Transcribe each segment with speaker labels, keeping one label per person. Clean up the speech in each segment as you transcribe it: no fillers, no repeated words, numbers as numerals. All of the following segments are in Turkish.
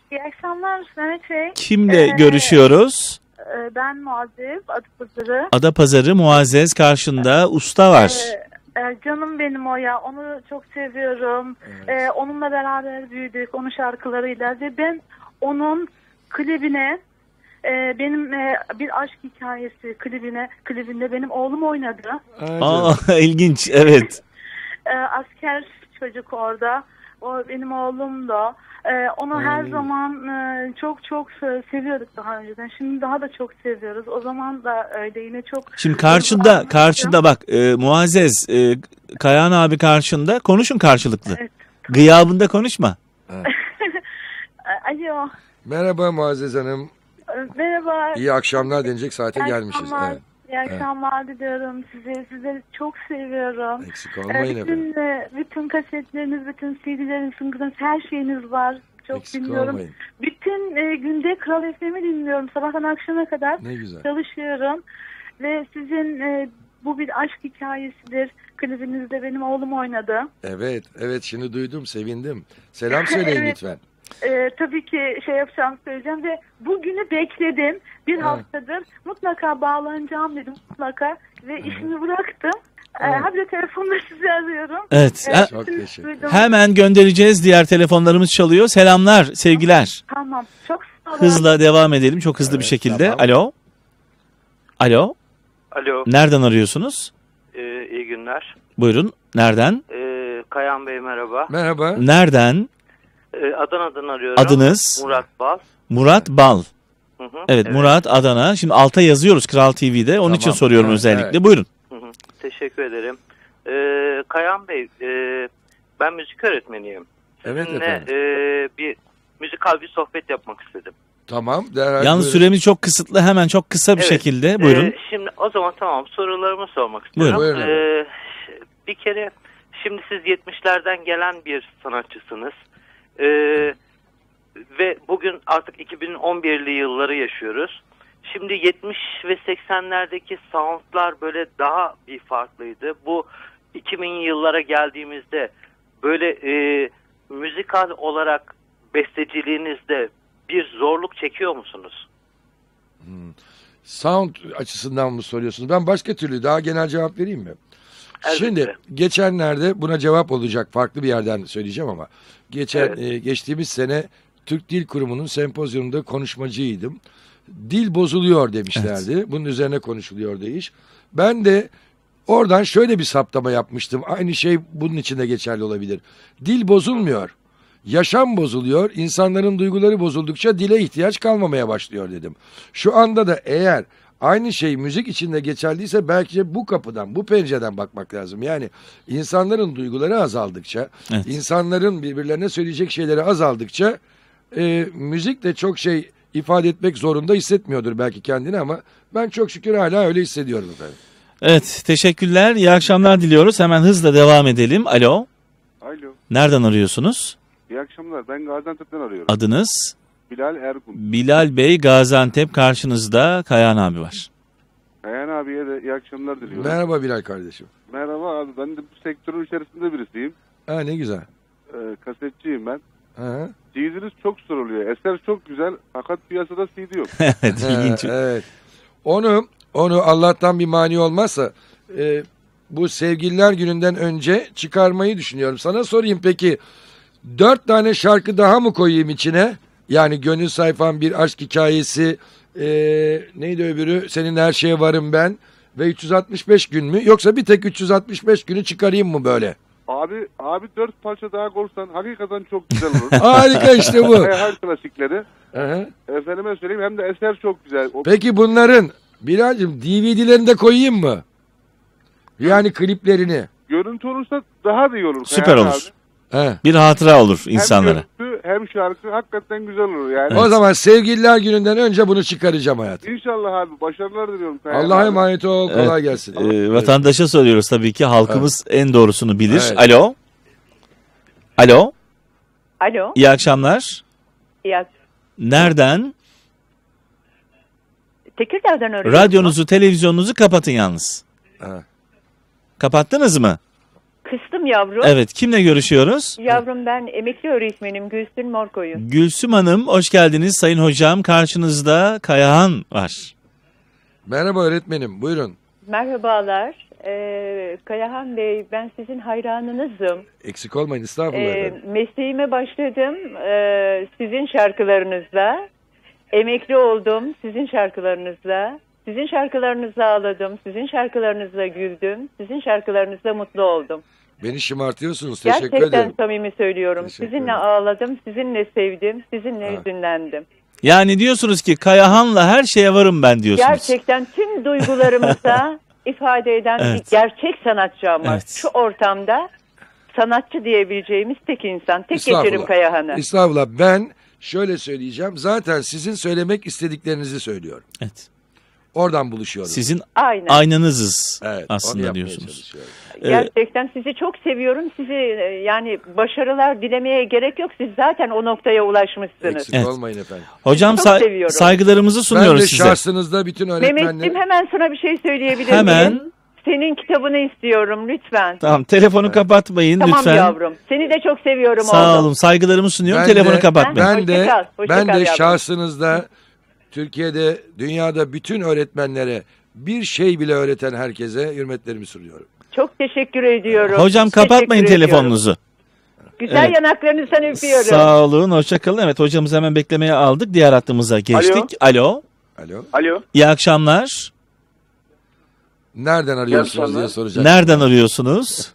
Speaker 1: İyi akşamlar Mehmet Bey.
Speaker 2: Kimle görüşüyoruz?
Speaker 1: Ben Muazzez, Adapazarı.
Speaker 2: Adapazarı Muazzez, karşında usta var.
Speaker 1: Canım benim o ya. Onu çok seviyorum.
Speaker 3: Evet.
Speaker 1: Onunla beraber büyüdük. Onun şarkılarıyla. Ve ben onun klibine benim bir aşk hikayesi klibinde benim oğlum oynadı.
Speaker 2: İlginç, evet.
Speaker 1: Asker çocuk orada. O benim oğlum da. Onu her zaman çok çok seviyorduk daha önceden. Şimdi daha da çok seviyoruz. O zaman da öyle yine çok.
Speaker 2: Şimdi karşında bak Muazzez, Kayahan abi karşında, konuşun karşılıklı.
Speaker 1: Evet.
Speaker 2: Gıyabında konuşma.
Speaker 1: Alo.
Speaker 3: Merhaba Muazzez Hanım.
Speaker 1: Merhaba.
Speaker 3: İyi akşamlar denecek saate gelmişiz. Evet.
Speaker 1: İyi akşamlar diliyorum size. Sizleri çok seviyorum.
Speaker 3: Eksik olmayın efendim.
Speaker 1: Bütün kasetleriniz, bütün CD'leriniz, her şeyiniz var. Çok
Speaker 3: Eksik
Speaker 1: dinliyorum.
Speaker 3: olmayın.
Speaker 1: Bütün günde Kral FM'i dinliyorum. Sabahtan akşama kadar
Speaker 3: Ne güzel.
Speaker 1: çalışıyorum. Ve sizin bu bir aşk hikayesidir. Klibinizde benim oğlum oynadı.
Speaker 3: Evet şimdi duydum, sevindim. Selam söyleyin
Speaker 1: Evet.
Speaker 3: lütfen.
Speaker 1: Tabii ki söyleyeceğim ve bugünü bekledim. Bir haftadır mutlaka bağlanacağım dedim mutlaka ve işimi bıraktım. Habire telefonla sizi arıyorum.
Speaker 2: Evet.
Speaker 3: Çok teşekkür ederim.
Speaker 2: Hemen göndereceğiz. Diğer telefonlarımız çalıyor. Selamlar, sevgiler.
Speaker 1: Tamam. Çok sağ olun.
Speaker 2: Hızla devam edelim. Çok hızlı bir şekilde.
Speaker 3: tamam.
Speaker 2: Alo. Alo.
Speaker 4: Alo,
Speaker 2: Nereden arıyorsunuz?
Speaker 4: iyi günler.
Speaker 2: Buyurun. Nereden?
Speaker 4: Kayan Bey merhaba.
Speaker 3: Merhaba.
Speaker 2: Nereden?
Speaker 4: Adana'dan arıyorum.
Speaker 2: Adınız?
Speaker 4: Murat Bal.
Speaker 2: Murat Bal.
Speaker 4: Hı hı,
Speaker 2: Evet, Murat, Adana. Şimdi alta yazıyoruz Kral TV'de. Onun
Speaker 3: Tamam.
Speaker 2: için soruyorum
Speaker 3: Evet,
Speaker 2: özellikle.
Speaker 3: evet.
Speaker 2: Buyurun.
Speaker 4: Hı hı, teşekkür ederim. Kayan Bey, ben müzik öğretmeniyim.
Speaker 3: Evet
Speaker 4: Sizinle
Speaker 3: efendim.
Speaker 4: bir müzikal bir sohbet yapmak istedim.
Speaker 3: Tamam. Derhal
Speaker 2: Yalnız
Speaker 3: buyurun.
Speaker 2: süremiz çok kısıtlı. Hemen çok kısa bir
Speaker 4: Evet,
Speaker 2: şekilde. Buyurun.
Speaker 4: Şimdi o zaman tamam, sorularımı sormak istiyorum.
Speaker 3: Buyurun.
Speaker 4: Bir kere şimdi siz 70'lerden gelen bir sanatçısınız. Ve bugün artık 2011'li yılları yaşıyoruz. Şimdi 70 ve 80'lerdeki soundlar böyle daha bir farklıydı. Bu 2000'li yıllara geldiğimizde böyle müzikal olarak besteciliğinizde bir zorluk çekiyor musunuz?
Speaker 3: Sound açısından mı soruyorsunuz? Ben başka türlü daha genel cevap vereyim mi?
Speaker 4: Elbette.
Speaker 3: Şimdi geçenlerde buna cevap olacak, farklı bir yerden söyleyeceğim ama geçtiğimiz sene Türk Dil Kurumu'nun sempozyumunda konuşmacıydım. Dil bozuluyor demişlerdi. Evet. Bunun üzerine konuşuluyordu iş. Ben de oradan şöyle bir saptama yapmıştım. Aynı şey bunun için de geçerli olabilir. Dil bozulmuyor. Yaşam bozuluyor. İnsanların duyguları bozuldukça dile ihtiyaç kalmamaya başlıyor dedim. Şu anda da eğer aynı şey müzik içinde geçerliyse belki de bu kapıdan, bu pencereden bakmak lazım. Yani insanların duyguları azaldıkça,
Speaker 2: Evet.
Speaker 3: insanların birbirlerine söyleyecek şeyleri azaldıkça müzik de çok şey ifade etmek zorunda hissetmiyordur belki kendini ama ben çok şükür hala öyle hissediyorum efendim.
Speaker 2: Evet, teşekkürler. İyi akşamlar diliyoruz. Hemen hızla devam edelim. Alo.
Speaker 5: Alo.
Speaker 2: Nereden arıyorsunuz?
Speaker 5: İyi akşamlar. Ben Gaziantep'ten arıyorum.
Speaker 2: Adınız?
Speaker 5: Bilal Ergun.
Speaker 2: Bilal Bey, Gaziantep, karşınızda Kayahan abi var.
Speaker 5: Kayan abiye de iyi akşamlar diliyorum.
Speaker 3: Merhaba Bilal kardeşim.
Speaker 5: Merhaba abi. Ben de bu sektörün içerisinde birisiyim.
Speaker 3: Ha, ne güzel.
Speaker 5: Kasetçiyim ben.
Speaker 3: Ha.
Speaker 5: CD'niz çok soruluyor. Eser çok güzel. Fakat piyasada CD yok.
Speaker 2: Evet, ilginç.
Speaker 3: Evet. Onu Allah'tan bir mani olmazsa bu Sevgililer Günü'nden önce çıkarmayı düşünüyorum. Sana sorayım peki 4 tane şarkı daha mı koyayım içine? Yani Gönül Sayfam, Bir Aşk Hikayesi, neydi öbürü? Senin Her Şeye Varım Ben ve 365 gün mü? Yoksa bir tek 365 günü çıkarayım mı böyle?
Speaker 5: Abi 4 parça daha korsan hakikaten çok güzel olur.
Speaker 3: Harika işte bu.
Speaker 5: Her klasikleri.
Speaker 3: Aha.
Speaker 5: Efendime söyleyeyim hem de eser çok güzel.
Speaker 3: Peki bunların Bilal'cığım DVD'lerini de koyayım mı? Yani kliplerini.
Speaker 5: Görüntü olursa daha da iyi olur.
Speaker 2: Süper
Speaker 5: Kayan
Speaker 2: olur.
Speaker 5: abi.
Speaker 3: He.
Speaker 2: Bir hatıra olur insanlara.
Speaker 5: Hem görüntü hem şarkı hakikaten güzel olur yani.
Speaker 3: O zaman Sevgililer Günü'nden önce bunu çıkaracağım hayatım.
Speaker 5: İnşallah abi. Başarılar diliyorum.
Speaker 3: Allah'a emanet ol. Kolay gelsin.
Speaker 2: Vatandaşa soruyoruz tabii ki. Halkımız en doğrusunu bilir.
Speaker 3: Evet.
Speaker 2: Alo. Alo.
Speaker 6: Alo.
Speaker 2: İyi akşamlar.
Speaker 6: İyi
Speaker 2: Nereden?
Speaker 6: Tekirdağ'dan arıyorum.
Speaker 2: Radyonuzu, televizyonunuzu kapatın yalnız.
Speaker 3: Ha.
Speaker 2: Kapattınız mı?
Speaker 6: Kıstım yavrum.
Speaker 2: Evet, kimle görüşüyoruz?
Speaker 6: Yavrum ben emekli öğretmenim Gülsün Morkoyun.
Speaker 2: Gülsüm Hanım, hoş geldiniz. Sayın hocam, karşınızda Kayahan var.
Speaker 3: Merhaba öğretmenim, buyurun.
Speaker 6: Merhabalar. Kayahan Bey, ben sizin hayranınızım.
Speaker 3: Eksik olmayın, estağfurullah efendim.
Speaker 6: Mesleğime başladım sizin şarkılarınızla. Emekli oldum sizin şarkılarınızla. Sizin şarkılarınızla ağladım, sizin şarkılarınızla güldüm, sizin şarkılarınızla mutlu oldum.
Speaker 3: Beni şımartıyorsunuz, teşekkür
Speaker 6: Gerçekten
Speaker 3: ederim.
Speaker 6: samimi söylüyorum.
Speaker 3: Teşekkür
Speaker 6: Sizinle
Speaker 3: ederim.
Speaker 6: ağladım, sizinle sevdim, sizinle hüzünlendim.
Speaker 2: Yani diyorsunuz ki Kayahan'la her şeye varım ben diyorsunuz.
Speaker 6: Gerçekten tüm duygularımıza ifade eden
Speaker 2: Evet.
Speaker 6: bir gerçek sanatçı ama
Speaker 2: Evet.
Speaker 6: şu ortamda sanatçı diyebileceğimiz tek insan. Tek
Speaker 3: Estağfurullah.
Speaker 6: geçerim Kayahan'ı.
Speaker 3: Estağfurullah, ben şöyle söyleyeceğim. Zaten sizin söylemek istediklerinizi söylüyorum.
Speaker 2: Evet.
Speaker 3: Oradan buluşuyoruz.
Speaker 2: Sizin
Speaker 6: Aynen.
Speaker 2: aynanızız
Speaker 3: Evet, onu
Speaker 2: aslında
Speaker 3: yapmaya
Speaker 2: diyorsunuz.
Speaker 3: çalışıyorum.
Speaker 6: Gerçekten sizi çok seviyorum. Sizi yani başarılar dilemeye gerek yok. Siz zaten o noktaya ulaşmışsınız.
Speaker 3: Eksik
Speaker 2: Evet.
Speaker 3: olmayın efendim.
Speaker 2: Hocam
Speaker 6: Çok seviyorum.
Speaker 2: saygılarımızı
Speaker 3: Ben
Speaker 2: sunuyoruz
Speaker 3: de
Speaker 2: size.
Speaker 3: şahsınızda bütün öğretmenler...
Speaker 6: Mehmetciğim hemen sana bir şey söyleyebilir
Speaker 2: Hemen.
Speaker 6: miyim? Senin kitabını istiyorum lütfen.
Speaker 2: Tamam, telefonu kapatmayın
Speaker 6: Tamam
Speaker 2: lütfen.
Speaker 6: yavrum. Seni de çok seviyorum
Speaker 2: Sağ
Speaker 6: oğlum.
Speaker 2: olun, saygılarımı sunuyorum.
Speaker 3: Ben
Speaker 2: Telefonu
Speaker 3: de-
Speaker 2: kapatmayın.
Speaker 3: Ben de,
Speaker 6: Hoşça kal, hoşça
Speaker 3: ben
Speaker 6: kal
Speaker 3: de
Speaker 6: yavrum.
Speaker 3: şahsınızda Türkiye'de, dünyada bütün öğretmenlere bir şey bile öğreten herkese hürmetlerimi sunuyorum.
Speaker 6: Çok teşekkür ediyorum.
Speaker 2: Hocam kapatmayın
Speaker 6: Teşekkür ediyorum.
Speaker 2: telefonunuzu.
Speaker 6: Güzel
Speaker 2: Evet.
Speaker 6: yanaklarınızdan öpüyorum.
Speaker 2: Sağ olun, hoşçakalın. Evet, hocamızı hemen beklemeye aldık. Diğer hattımıza geçtik. Alo.
Speaker 3: Alo.
Speaker 7: Alo.
Speaker 2: İyi akşamlar.
Speaker 3: Nereden arıyorsunuz
Speaker 7: akşamlar.
Speaker 3: diye soracak.
Speaker 2: Nereden arıyorsunuz?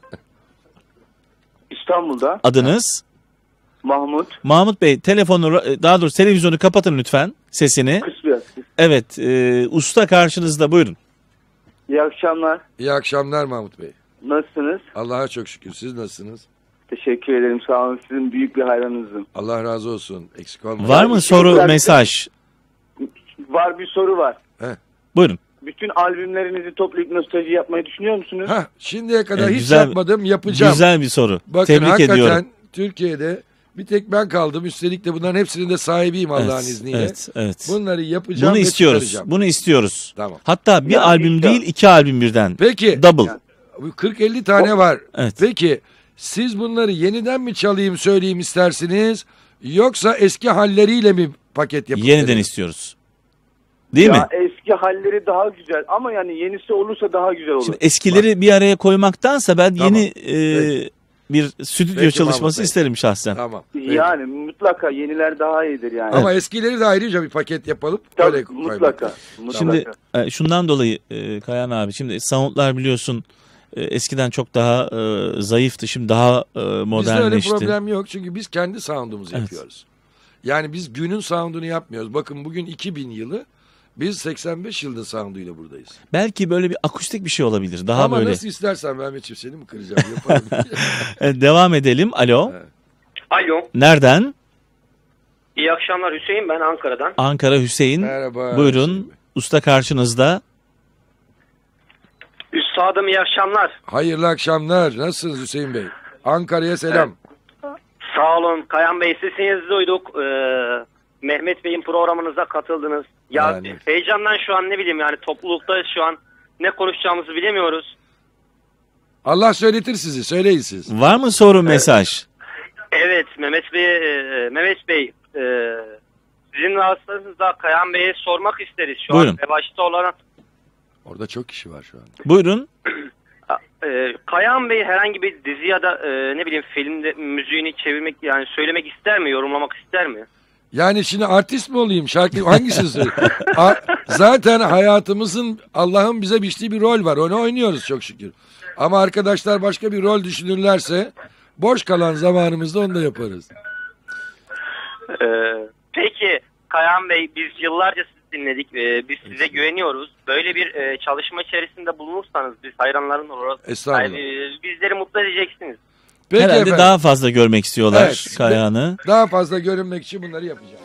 Speaker 7: İstanbul'da
Speaker 2: Adınız?
Speaker 7: Mahmut
Speaker 2: Mahmut Bey, telefonu, daha doğrusu televizyonu kapatın lütfen sesini.
Speaker 7: Kısbı.
Speaker 2: Evet, usta karşınızda, buyurun.
Speaker 7: İyi akşamlar.
Speaker 3: İyi akşamlar Mahmut Bey.
Speaker 7: Nasılsınız?
Speaker 3: Allah'a çok şükür. Siz nasılsınız?
Speaker 7: Teşekkür ederim. Sağ olun. Sizin büyük bir hayranınızım.
Speaker 3: Allah razı olsun. Eksik olmayın.
Speaker 2: Var mı soru,
Speaker 7: teşekkürler.
Speaker 2: mesaj?
Speaker 7: Var bir soru var.
Speaker 2: Buyurun.
Speaker 7: Bütün albümlerinizi toplayıp nostalji yapmayı düşünüyor musunuz?
Speaker 3: Hah, şimdiye kadar hiç
Speaker 2: Güzel-
Speaker 3: yapmadım, yapacağım.
Speaker 2: Güzel bir soru.
Speaker 3: Bakın
Speaker 2: Tebrik
Speaker 3: hakikaten
Speaker 2: ediyorum.
Speaker 3: Türkiye'de bir tek ben kaldım. Üstelik de bunların hepsinin de sahibiyim Allah'ın
Speaker 2: Evet,
Speaker 3: izniyle.
Speaker 2: evet, evet.
Speaker 3: Bunları yapacağım
Speaker 2: Bunu
Speaker 3: ve
Speaker 2: istiyoruz.
Speaker 3: çıkaracağım.
Speaker 2: Bunu istiyoruz.
Speaker 3: Tamam.
Speaker 2: Hatta bir
Speaker 7: Yani
Speaker 2: albüm
Speaker 7: işte-
Speaker 2: değil, 2 albüm birden.
Speaker 3: Peki.
Speaker 2: Double.
Speaker 3: Bu 40-50 tane var.
Speaker 2: Evet.
Speaker 3: Peki siz bunları yeniden mi çalayım söyleyeyim istersiniz? Yoksa eski halleriyle mi paket yapıp
Speaker 2: Yeniden
Speaker 3: vereyim?
Speaker 2: istiyoruz. Değil mi?
Speaker 7: Ya eski halleri daha güzel ama yani yenisi olursa daha güzel olur.
Speaker 2: Şimdi eskileri bir araya koymaktansa ben
Speaker 3: Tamam.
Speaker 2: yeni
Speaker 3: Peki.
Speaker 2: bir stüdyo
Speaker 3: Peki
Speaker 2: çalışması
Speaker 3: Mahmut Bey.
Speaker 2: isterim şahsen.
Speaker 3: Tamam. peki.
Speaker 7: Yani mutlaka yeniler daha iyidir yani.
Speaker 3: Ama eskileri de ayrıca bir paket yapalım.
Speaker 7: Tabii,
Speaker 3: öyle koymak
Speaker 7: mutlaka.
Speaker 3: lazım.
Speaker 7: mutlaka.
Speaker 2: Şimdi şundan dolayı Kayan abi, şimdi soundlar biliyorsun eskiden çok daha zayıftı, şimdi daha
Speaker 3: Bizde öyle
Speaker 2: modernleşti.
Speaker 3: problem yok çünkü biz kendi sound'umuzu
Speaker 2: Evet.
Speaker 3: yapıyoruz. Yani biz günün sound'unu yapmıyoruz. Bakın bugün 2000 yılı, biz 85 yılda sound'uyla buradayız.
Speaker 2: Belki böyle bir akustik bir şey olabilir. Daha
Speaker 3: Ama
Speaker 2: böyle.
Speaker 3: nasıl istersen Mehmetciğim, seni mi kıracağım, yaparım.
Speaker 2: Devam edelim. Alo.
Speaker 3: Evet.
Speaker 8: Alo.
Speaker 2: Nereden?
Speaker 8: İyi akşamlar Hüseyin, ben Ankara'dan.
Speaker 2: Ankara, Hüseyin.
Speaker 3: Merhaba.
Speaker 2: Buyurun.
Speaker 3: Hüseyin Bey.
Speaker 2: Usta karşınızda.
Speaker 8: Üstadım iyi akşamlar.
Speaker 3: Hayırlı akşamlar. Nasılsınız Hüseyin Bey? Ankara'ya selam.
Speaker 8: Sağ olun Kayan Bey, sesinizi duyduk. Mehmet Bey'in programınıza katıldınız. Ya
Speaker 3: Yani.
Speaker 8: heyecandan şu an ne bileyim yani toplulukta şu an ne konuşacağımızı bilemiyoruz.
Speaker 3: Allah söyletir sizi. Söyleyin siz.
Speaker 2: Var mı soru, mesaj?
Speaker 8: Evet Mehmet Bey sizin vasıtanızda Kayan Bey'e sormak isteriz. Şu
Speaker 2: Buyurun.
Speaker 8: an revaçta olan
Speaker 3: Orada çok kişi var şu an.
Speaker 2: Buyurun.
Speaker 8: Kayan Bey herhangi bir dizi ya da ne bileyim filmde müziğini çevirmek yani söylemek ister mi, yorumlamak ister mi?
Speaker 3: Yani şimdi artist mi olayım? Şarkı hangisini söyleyeyim? Zaten hayatımızın, Allah'ın bize biçtiği bir rol var. Onu oynuyoruz çok şükür. Ama arkadaşlar başka bir rol düşünürlerse boş kalan zamanımızda onu da yaparız.
Speaker 8: Peki Kayan Bey, biz yıllarca sizi dinledik. Biz size güveniyoruz. Böyle bir çalışma içerisinde bulunursanız biz hayranların olarak
Speaker 3: Estağfurullah.
Speaker 8: bizleri mutlu edeceksiniz.
Speaker 3: Peki
Speaker 2: Herhalde
Speaker 3: efendim.
Speaker 2: daha fazla görmek istiyorlar
Speaker 3: Evet.
Speaker 2: Kayahan'ı.
Speaker 3: Daha fazla görünmek için bunları yapacağım.